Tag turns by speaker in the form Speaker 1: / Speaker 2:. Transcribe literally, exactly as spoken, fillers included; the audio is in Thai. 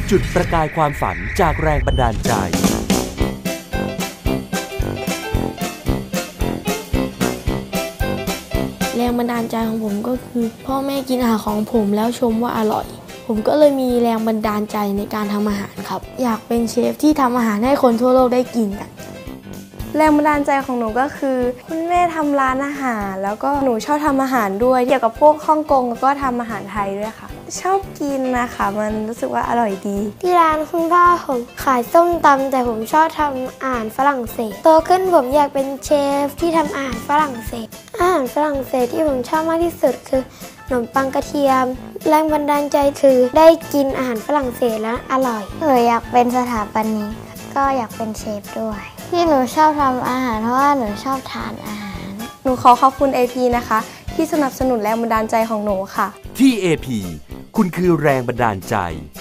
Speaker 1: จุดประกายความฝันจากแรงบันดาลใจ
Speaker 2: แรงบันดาลใจของผมก็คือพ่อแม่กินอาหารของผมแล้วชมว่าอร่อยผมก็เลยมีแรงบันดาลใจในการทำอาหารครับอยากเป็นเชฟที่ทำอาหารให้คนทั่วโลกได้กินกัน
Speaker 3: แรงบันดาลใจของหนูก็คือคุณแม่ทำร้านอาหารแล้วก็หนูชอบทำอาหารด้วยเกี่ยวกับพวกฮ่องกงแล้วก็ทำอาหารไทยด้วยค่ะชอบกินนะคะมันรู้สึกว่าอร่อยดี
Speaker 2: ที่ร้านคุณพ่อผมขายส้มตำแต่ผมชอบทำอาหารฝรั่งเศสโตขึ้นผมอยากเป็นเชฟที่ทำอาหารฝรั่งเศสอาหารฝรั่งเศสที่ผมชอบมากที่สุดคือขนมปังกระเทียมแรงบันดาลใจคือได้กินอาหารฝรั่งเศสแล้วอร่อย
Speaker 4: หนูอยากเป็นสถาปนิกก็อยากเป็นเชฟด้วยที่หนูชอบทำอาหารเพราะว่าหนูชอบทานอาหาร
Speaker 3: หนูขอขอบคุณ เอ พี นะคะที่สนับสนุนแรงบันดาลใจของหนูค่ะ
Speaker 1: ที่ เอ พี คุณคือแรงบันดาลใจ